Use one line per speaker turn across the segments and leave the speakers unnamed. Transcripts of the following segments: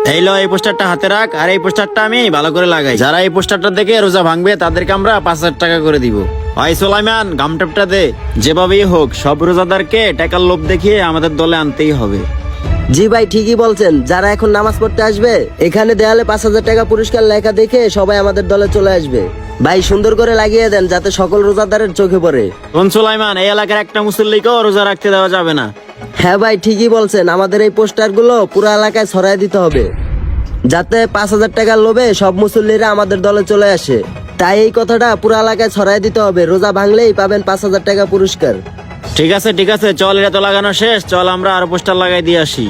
এই লো, এই পোস্টারটা হাতে রাখ, আর এই পোস্টারটা আমি ভালো করে লাগাই। যারা এই পোস্টারটা দেখে রোজা ভাঙবে তাদেরকে আমরা 5,000 টাকা করে দিব। ভাই সোলাইমান, গামটাপটা দে। যেভাবেই হোক সব রোজাদারকে টাকার লোভ দেখিয়ে আমাদের দলে আনতেই হবে।
জি ভাই, ঠিকই বলছেন। যারা এখন নামাজ পড়তে আসবে এখানে দেয়ালে 5,000 টাকা পুরস্কার লেখা দেখে সবাই আমাদের দলে চলে আসবে। ভাই সুন্দর করে লাগিয়ে দেন যাতে সকল রোজাদারের চোখে পড়ে।
কোন সোলাইমান, এই এলাকার একটা মুসল্লিকেও রোজা রাখতে দেওয়া যাবে না।
হ্যাঁ ভাই, ঠিকই বলছেন। আমাদের এই পোস্টারগুলো পুরো এলাকায় ছড়াই দিতে হবে যাতে 5,000 টাকার লোভে সব মুসল্লিরা আমাদের দলে চলে আসে। তাই এই কথাটা পুরো এলাকায় ছড়াই দিতে হবে। রোজা ভাঙলেই পাবেন 5,000 টাকা পুরস্কার।
ঠিক আছে ঠিক আছে, চল, এটা তো লাগানো শেষ, চল আমরা আরো পোস্টার লাগাই দিয়ে আসি।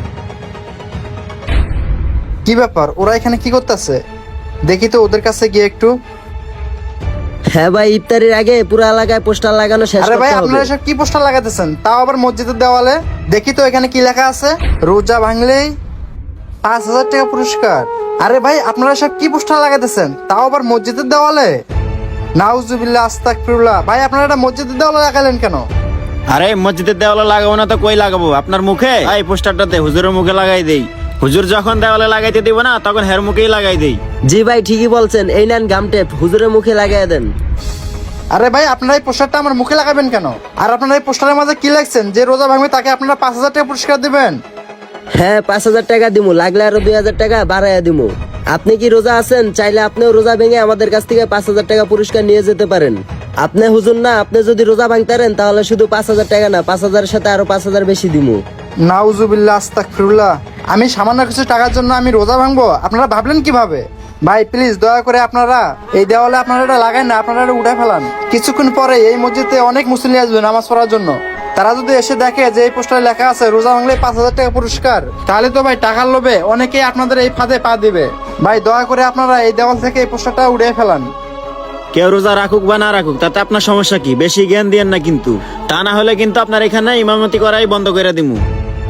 কি ব্যাপার, ওরা এখানে কি করতেছে? দেখি তো ওদের কাছে গিয়ে একটু।
হ্যাঁ ভাই, ইফতারির আগে পুরো এলাকায় পোস্টার লাগানো শেষ
আরে ভাই,
করতে হবে।
আপনারা সব কি পোস্টার লাগাতেছেন, তাও আবার মসজিদের দেওয়ালে? দেখি তো এখানে কি লেখা আছে। রোজা ভাঙলেই 5,000 টাকা পুরস্কার। আরে ভাই, আপনারা সব কি পোস্টার লাগাতেছেন, তাও আবার মসজিদের দেওয়ালে? নাউজুবিল্লাহ, আস্তাগফিরুল্লাহ। ভাই আপনারা এটা মসজিদের দেওয়ালে লাগালেন কেন?
আরে মসজিদের দেওয়ালে লাগাবো না তো কই লাগাবো? আপনার মুখে। এই পোস্টারটাতে হুজুরের মুখে লাগাই দেই। হুজুর যখন দেওয়ালে লাগাইতে দিব না তখন হের মুখেই লাগাই দেই।
জি ভাই, ঠিকই বলছেন। এই নেন গাম টেপ, হুজুরের মুখে লাগাই দেন।
আরে ভাই, আপনারা এই পোস্টারটা আমার মুখে লাগাবেন কেন? আর আপনারা এই পোস্টারের মাঝে কি লিখছেন যে রোজা ভাঙবে তাকে আপনারা 5,000 টাকা পুরস্কার দিবেন?
হ্যাঁ, 5,000 টাকা দিমু, লাগলে আরো 2,000 টাকা বাড়াইয়া দিমু। আপনি কি রোজা আছেন? চাইলে আপনিও রোজা ভেঙে আমাদের কাছ থেকে 5,000 টাকা পুরস্কার নিয়ে যেতে পারেন। আপনি হুজুর না, আপনি যদি রোজা ভাঙতারেন তাহলে শুধু 5,000 টাকা না, 5,000-এর সাথে আরো 5,000 বেশি দিমু।
নাউজুবিল্লাহ, আস্তাগফিরুল্লাহ। আমি সামান্য কিছু টাকার জন্য আমি রোজা ভাঙবো? আপনারা ভাবলেন কিভাবে? ভাই প্লিজ দয়া করে আপনারা এই দেওয়ালে আপনারা এটা লাগান না, আপনারা এটা উঠে ফেলান। কিছুক্ষণ পরে এই মসজিদে অনেক মুসলিম আসবে নামাজ পড়ার জন্য। তারা যদি এসে দেখে যে এই পোস্টারে লেখা আছে রোজা ভাঙলে 5,000 টাকা পুরস্কার, তাহলে তো ভাই টাকার লোভে অনেকেই আপনাদের এই ফাঁদে পা দিবে। ভাই দয়া করে আপনারা এই দেওয়াল থেকে এই পোস্টারটা উড়িয়ে ফেলান।
কেউ রোজা রাখুক বা না রাখুক তাতে আপনার সমস্যা কি? বেশি জ্ঞান দিয়েন না কিন্তু, তা না হলে কিন্তু আপনার এখানে ইমামতি করাই বন্ধ করে দিমু।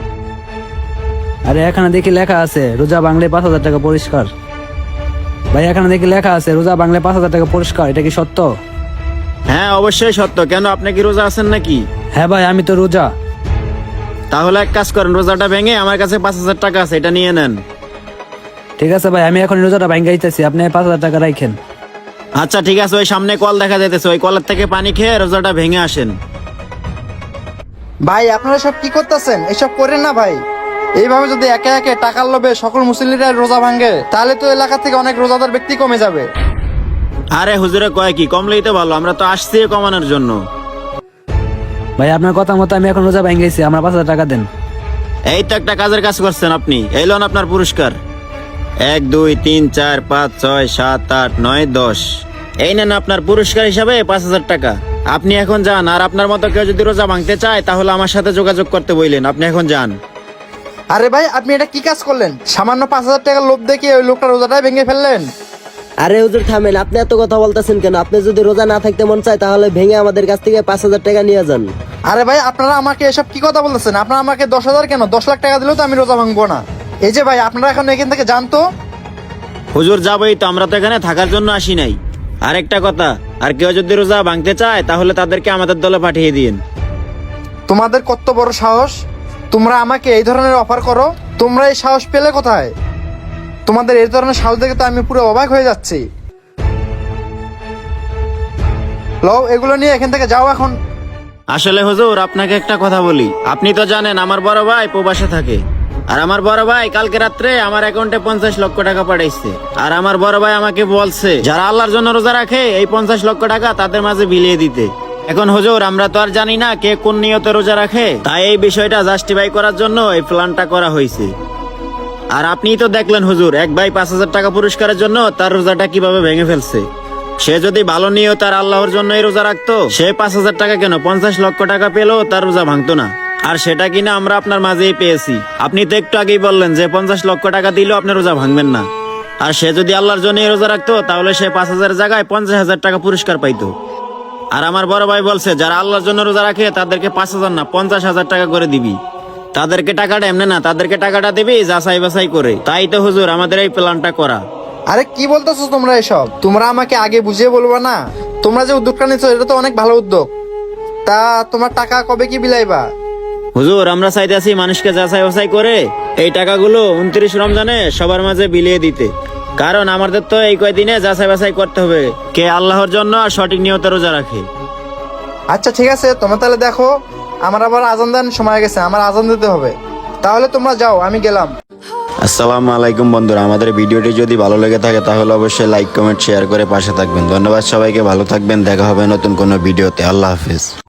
আরে এখানে দেখি লেখা আছে রোজা বাংলে 5,000 টাকা পুরস্কার। ভাই এখানে দেখি লেখা আছে রোজা বাংলে 5,000 টাকা পুরস্কার, এটা কি সত্য?
হ্যাঁ অবশ্যই সত্য। কেন, আপনি কি রোজা আছেন নাকি?
হ্যাঁ ভাই, আমি তো রোজা।
তাহলে এক কাজ করেন, রোজাটা ভেঙে আমার কাছে 5,000 টাকা আছে, এটা নিয়ে নেন।
ঠিক আছে ভাই, আমি এখন রোজাটা ভাঙ্গা দিতেছি, আপনি 5,000 টাকা রাখেন।
আচ্ছা ঠিক আছে, ওই সামনে কল দেখা যাইতেছে, ওই কলের থেকে পানি খেয়ে রোজাটা ভেঙে আসেন।
ভাই আপনারা সব কি করতেছেন? এসব করেন না ভাই। এইভাবে যদি একে একে টাকার লোভে সকল মুসলিমরা রোজা ভাঙে তাহলে তো এলাকা থেকে অনেক রোজাদার ব্যক্তি কমে যাবে।
আরে হুজুরে কয় কি, কমলেই তো ভালো, আমরা তো আসছি কমানোর জন্য।
ভাই আপনার কথা মতো আমি এখন রোজা ভাঙ্গাইছি, আমার 5,000 টাকা দেন।
এই তো একটা কাজের কাজ করছেন আপনি, এই লোন আপনার পুরস্কার। 1 2 3 4 5 6 7 8 9 10, এই নেন আপনার পুরস্কার হিসাবে 5,000 টাকা। আপনি এখন যান, আর আপনার মতো কেউ যদি রোজা ভাঙতে চায় তাহলে আমার সাথে যোগাযোগ করতে বললেন। আপনি এখন যান।
আরে ভাই, আপনি এটা কি কাজ করলেন? সামান্য 5,000 টাকার লোভ দেখিয়ে ওই লোকটা রোজাটাই ভেঙে ফেললেন।
আরে হুজুর থামেন, আপনি এত কথা বলতেছেন কেন? আপনি যদি রোজা না থাকতে মন চায় তাহলে ভেঙে আমাদের কাছ থেকে 5,000 টাকা নিয়ে যান।
আরে ভাই, আপনারা আমাকে এসব কি কথা বলতেছেন? আপনারা আমাকে 10,000 কেন, 10 লাখ টাকা দিলেও তো আমি রোজা ভাঙবো না। এই যে ভাই, আপনারা এখন এখান থেকে যান তো।
হুজুর যাবোই তো, আমরা তো এখানে থাকার জন্য আসি নাই। আরেকটা কথা, আর কেউ যদি রোজা ভাঙতে চায় তাহলে তাদেরকে আমাদের দলে পাঠিয়ে দিন।
তোমাদের কত বড় সাহস, তোমরা আমাকে এই ধরনের অফার করো? তোমরা এই সাহস পেলে কোথায়? তোমাদের এই ধরনের সাহস দেখে তো আমি পুরো অবাক হয়ে যাচ্ছি। লও, এগুলো নিয়ে এখান থেকে যাও এখন।
আসলে হুজুর আপনাকে একটা কথা বলি, আপনি তো জানেন আমার বড় ভাই প্রবাসে থাকে, আর আমার বড় ভাই কালকে রাত্রে আমার অ্যাকাউন্টে 50 লক্ষ টাকা পাঠাইছে। আর আমার বড় ভাই আমাকে বলছে যারা আল্লাহর জন্য রোজা রাখে এই 50 লক্ষ টাকা তাদের মাঝে বিলিয়ে দিতে। এখন হুজুর আমরা তো আর জানি না কে কোন নিয়তে রোজা রাখে, তাই এই বিষয়টা জাস্টিফাই করার জন্য এই প্ল্যানটা করা হয়েছে। আর আপনিই তো দেখলেন হুজুর, এক ভাই 5,000 টাকা পুরস্কারের জন্য তার রোজাটা কিভাবে ভেঙে ফেলছে। সে যদি ভালো নিয়ত আর আল্লাহর জন্যই রোজা রাখতো, সে 5,000 টাকা কেন 50 লক্ষ টাকা পেলেও তার রোজা ভাঙতো না। আর সেটা কিনা আমরা আপনার মাঝেই পেয়েছি। আপনি তো একটু আগেই বললেন যে 50 লক্ষ টাকা দিলেও আপনি রোজা ভাঙবেন না। আর সে যদি আল্লাহর জন্যই রোজা রাখতো তাহলে সে 5,000 জায়গায় 50,000 টাকা পুরস্কার পাইতো। আর আমার বড় ভাই বলছে যারা আল্লাহর জন্য রোজা রাখে তাদেরকে 5,000 না 50,000 টাকা করে দিবি। তাদেরকে টাকাটা এমনি না, তাদেরকে টাকাটা দিবি যাচাই বাছাই করে। তাই তো হুজুর আমাদের এই প্ল্যানটা করা।
আরে কি বলতেছো তোমরা এসব? তোমরা আমাকে আগে বুঝিয়ে বলবা না? তোমরা যে উদ্যোগটা নিচ্ছ এটা তো অনেক ভালো উদ্যোগ। তা তোমার টাকা কবে কি বিলাইবা?
হুজুর আমরা চাইতেছি মানুষকে যাচাই বাছাই করে এই টাকাগুলো 29 রমজানে সবার মাঝে বিলিয়ে দিতে। কারণ আমাদের তো এই কয়দিনে যাচাই বাছাই করতে হবে কে আল্লাহর জন্য আর সঠিক নিয়তে রোজা রাখে।
আচ্ছা ঠিক আছে, তোমরা তাহলে দেখো, আমার আবার আজান দেন সময় গেছে, আমার আজান দিতে হবে। তাহলে তোমরা যাও, আমি গেলাম।
আসসালামু আলাইকুম বন্ধুরা, আমাদের ভিডিওটি যদি ভালো লেগে থাকে তাহলে অবশ্যই লাইক কমেন্ট শেয়ার করে পাশে থাকবেন। ধন্যবাদ সবাইকে, ভালো থাকবেন, দেখা হবে নতুন কোনো ভিডিওতে। আল্লাহ হাফেজ।